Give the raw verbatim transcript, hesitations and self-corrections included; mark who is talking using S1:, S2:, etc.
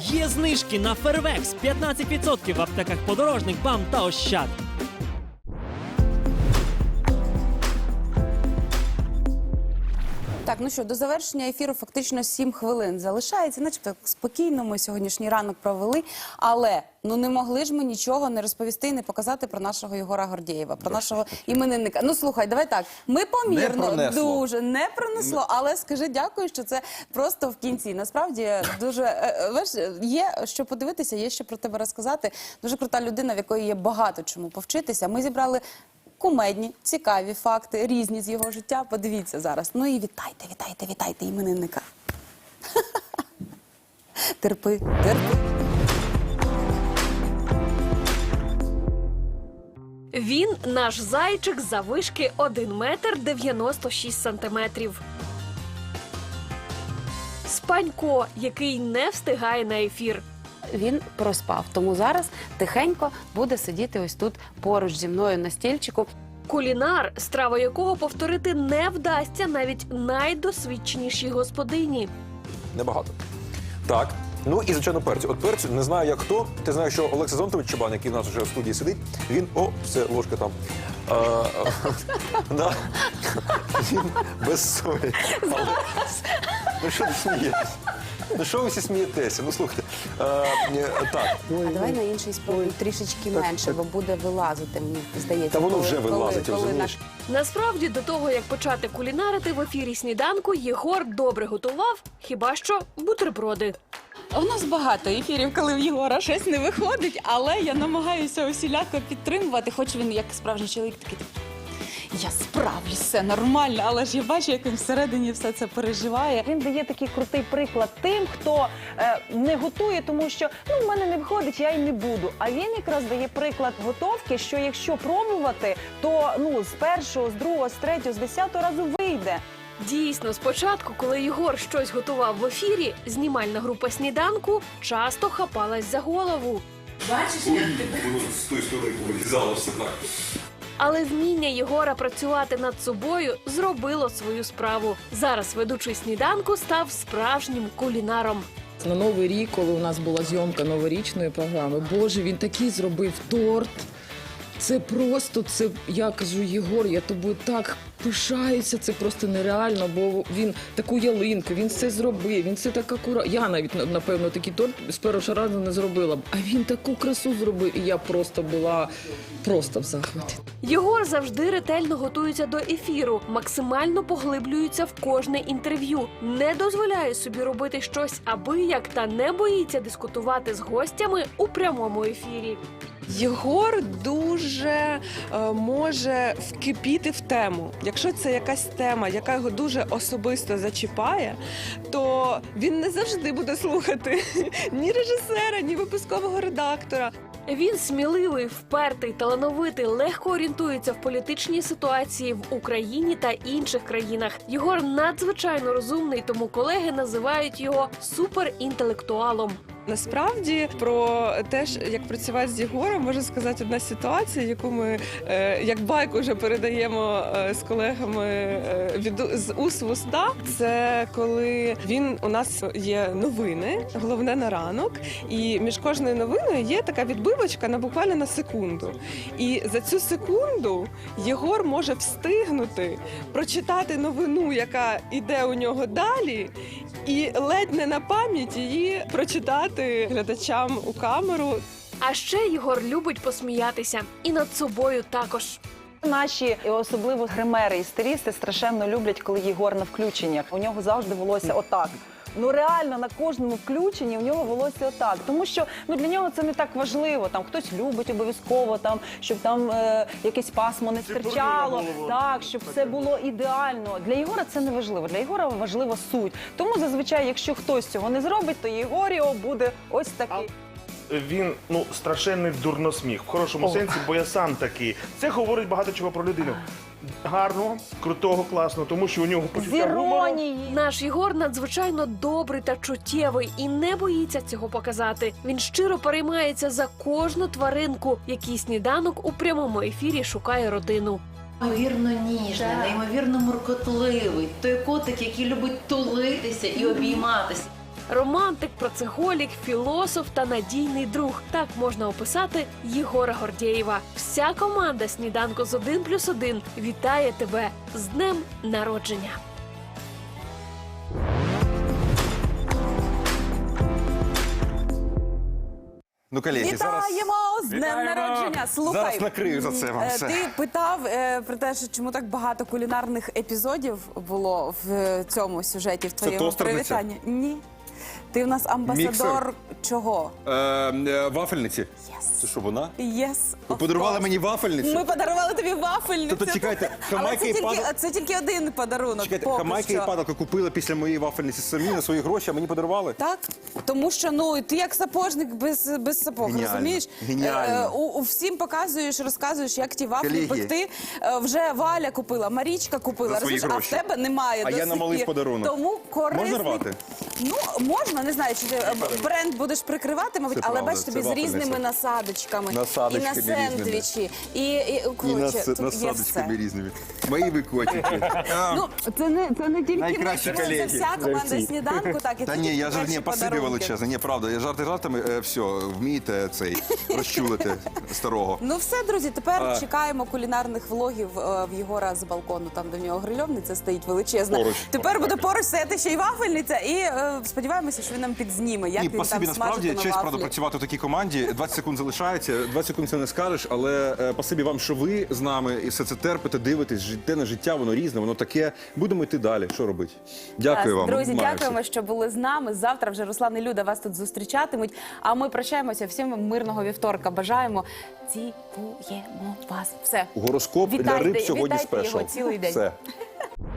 S1: Є знижки на Фервекс п'ятнадцять відсотків в аптеках Подорожник, БАМ та Ощад.
S2: Так, ну що, до завершення ефіру фактично сім хвилин залишається. Начебто спокійно ми сьогоднішній ранок провели, але ну не могли ж ми нічого не розповісти і не показати про нашого Єгора Гордєєва, про нашого іменинника. Ну слухай, давай так, ми помірно,
S3: Не
S2: дуже не пронесло, але скажи дякую, що це просто в кінці. Насправді дуже, е, знаєш, є що подивитися, є що про тебе розказати. Дуже крута людина, в якої є багато чому повчитися. Ми зібрали кумедні, цікаві факти, різні з його життя. Подивіться зараз. Ну і вітайте, вітайте, вітайте іменинника. Терпи, терпи.
S4: Він наш зайчик заввишки один метр дев'яносто шість сантиметрів. Спанько, який не встигає на ефір.
S2: Він проспав, тому зараз тихенько буде сидіти ось тут поруч зі мною на стільчику.
S4: Кулінар, страва якого повторити не вдасться навіть найдосвідченішій господині.
S3: Небагато. Так. Ну і, звичайно, перцю. От перцю, не знаю, як хто. Ти знаєш, що Олексій Зонтович Чабан, який в нас вже в студії сидить, він, о, все, ложка там. А, да. Він без солі. Але... Ну що ти смієшся? Ну що ви всі смієтеся? Ну слухайте. А, так.
S2: А давай на інший спробуй трішечки менше, бо буде вилазити, мені здається.
S3: Та воно
S2: коли-
S3: вже
S2: коли-
S3: вилазить,
S2: коли
S3: розумієш?
S4: Насправді, до того, як почати кулінарити в ефірі «Сніданку», Єгор добре готував, хіба що бутерброди.
S5: У нас багато ефірів, коли в Єгора щось не виходить, але я намагаюся усіляко підтримувати, хоч він як справжній чоловік такий, я справлюсь, все нормально, але ж я бачу, як він всередині все це переживає.
S6: Він дає такий крутий приклад тим, хто е, не готує, тому що ну в мене не виходить, я й не буду. А він якраз дає приклад готовки, що якщо пробувати, то ну з першого, з другого, з третього, з десятого разу вийде.
S4: Дійсно, спочатку, коли Єгор щось готував в ефірі, знімальна група «Сніданку» часто хапалась за голову.
S3: З тої сторони вилізало все так.
S4: Але вміння Єгора працювати над собою зробило свою справу. Зараз ведучий «Сніданку» став справжнім кулінаром.
S7: На Новий рік, коли у нас була зйомка новорічної програми, Боже, він такий зробив торт. Це просто, це, я кажу, Єгор, я тобою так пишаюся, це просто нереально, бо він таку ялинку, він все зробив, він все так акуратно. Я навіть, напевно, такий торт з першого разу не зробила, а він таку красу зробив, і я просто була просто в захваті.
S4: Єгор завжди ретельно готується до ефіру, максимально поглиблюється в кожне інтерв'ю, не дозволяє собі робити щось абияк та не боїться дискутувати з гостями у прямому ефірі.
S8: Єгор дуже е, може вкипіти в тему. Якщо це якась тема, яка його дуже особисто зачіпає, то він не завжди буде слухати ні режисера, ні випускового редактора.
S4: Він сміливий, впертий, талановитий, легко орієнтується в політичній ситуації в Україні та інших країнах. Єгор надзвичайно розумний, тому колеги називають його суперінтелектуалом.
S8: Насправді, про те, як працювати з Єгором, можу сказати одна ситуація, яку ми, е, як байку, вже передаємо е, з колегами е, від, з уст в уста. Це коли він, у нас є новини, головне на ранок, і між кожною новиною є така відбивочка на буквально на секунду. І за цю секунду Єгор може встигнути прочитати новину, яка йде у нього далі, і ледь не на пам'ять її прочитати глядачам у камеру.
S4: А ще Єгор любить посміятися. І над собою також.
S6: Наші, і особливо гримери і стилісти, страшенно люблять, коли Єгор на включеннях. У нього завжди волосся отак. Ну реально на кожному включенні у нього волосся отак, тому що ну для нього це не так важливо. Там хтось любить обов'язково там, щоб там е, якесь пасмо не стирчало, так щоб все було ідеально. Для Єгора це не важливо. Для Єгора важлива суть. Тому зазвичай, якщо хтось цього не зробить, то Єгоріо буде ось такий.
S9: Він ну страшенний дурносміх в хорошому
S6: О.
S9: сенсі, бо я сам такий. Це говорить багато чого про людину. Гарного, крутого, класного, тому що у нього
S6: З
S9: почуття гумору.
S6: іронією.
S4: Наш Єгор надзвичайно добрий та чуттєвий і не боїться цього показати. Він щиро переймається за кожну тваринку, який «Сніданок» у прямому ефірі шукає родину.
S10: Неймовірно ніжний, неймовірно муркотливий. Той котик, який любить тулитися і обійматися.
S4: Романтик, працеголік, філософ та надійний друг. Так можна описати Єгора Гордєєва. Вся команда «Сніданку з один плюс один» вітає тебе з днем народження.
S3: Ну, колеги, зараз...
S2: Вітаємо з днем
S3: Вітаємо!
S2: народження. Слухай,
S3: Зараз накрию за це вам
S2: е,
S3: все.
S2: Ти питав е, про те, що чому так багато кулінарних епізодів було в е, цьому сюжеті, в твоєму
S3: тостерниця?
S2: привітанні. Ні. Ти в нас амбасадор
S3: Міксер?
S2: чого?
S3: Е, е, вафельниці. Це що, вона?
S2: Yes,
S3: Ви
S2: of
S3: подарували
S2: course.
S3: мені вафельницю?
S2: Ми подарували тобі вафельницю.
S3: Тобто, чекайте,
S2: Але
S3: Хамайка
S2: це
S3: і
S2: тільки,
S3: падал-
S2: це тільки один подарунок.
S3: Чекайте,
S2: поки
S3: Хамайка і
S2: що.
S3: падалка купили після моєї вафельниці самі на свої гроші, а мені подарували?
S2: Так, тому що ну ти як сапожник без, без сапог,
S3: Геніально.
S2: розумієш?
S3: Геніально.
S2: Е, у, у всім показуєш, розказуєш, як ті вафлі
S3: Колеги.
S2: пекти. Е, вже Валя купила, Марічка купила,
S3: За свої
S2: розумієш, а в
S3: гроші.
S2: тебе немає.
S3: А
S2: до
S3: я
S2: сих
S3: намалив
S2: пір.
S3: подарунок.
S2: Тому корисний...
S3: Можна рвати?
S2: Ну, можна, не знаю, чи ти е, бренд будеш прикривати, мабуть,
S3: Це
S2: але
S3: правда,
S2: бачиш,
S3: це
S2: тобі з
S3: вафельниця.
S2: різними насадочками.
S3: Насадочками
S2: і на сендвічі. І, і, коротше, тут є все.
S3: різними. Мої ви котики.
S2: Ну, це не, це не тільки
S3: Найкращі
S2: ми, це
S3: колеги.
S2: вся команда сніданку, так, і
S3: Та
S2: це
S3: ні,
S2: тільки
S3: я жарт,
S2: перші
S3: ні, спасибі
S2: подарунки.
S3: величезне. Ні, правда, я жарти жартами, е, все, вмієте цей розчулити старого.
S2: Ну все, друзі, тепер
S3: А.
S2: чекаємо кулінарних влогів е, в Єгора з балкону, там де в нього грильовниця стоїть величезна.
S3: Поруч.
S2: Тепер буде поруч стояти ще й вафельниця, і е, сподіваємося, що він нам підзніме, як
S3: Ні,
S2: він
S3: спасибі,
S2: там
S3: насправді,
S2: смажить на
S3: честь, правда,
S2: вафлі.
S3: працювати в такій команді. двадцять секунд залишається, двадцять секунд це не скажеш, але е, спасибі вам, що ви з нами і все це терпите, дивитесь, життєне життя, воно різне, воно таке. Будемо йти далі. Що робити? Дякую вам.
S2: Друзі,
S3: обіймаю
S2: дякуємо,
S3: всіх.
S2: що були з нами. Завтра вже Руслан і Люда вас тут зустрічатимуть. А ми прощаємося. Всім вам мирного вівторка. Бажаємо. Цілуємо вас. Все.
S3: Гороскоп для
S2: Вітайте-
S3: риб сьогодні
S2: вітайте
S3: спешл.
S2: його цілий день.
S3: Все.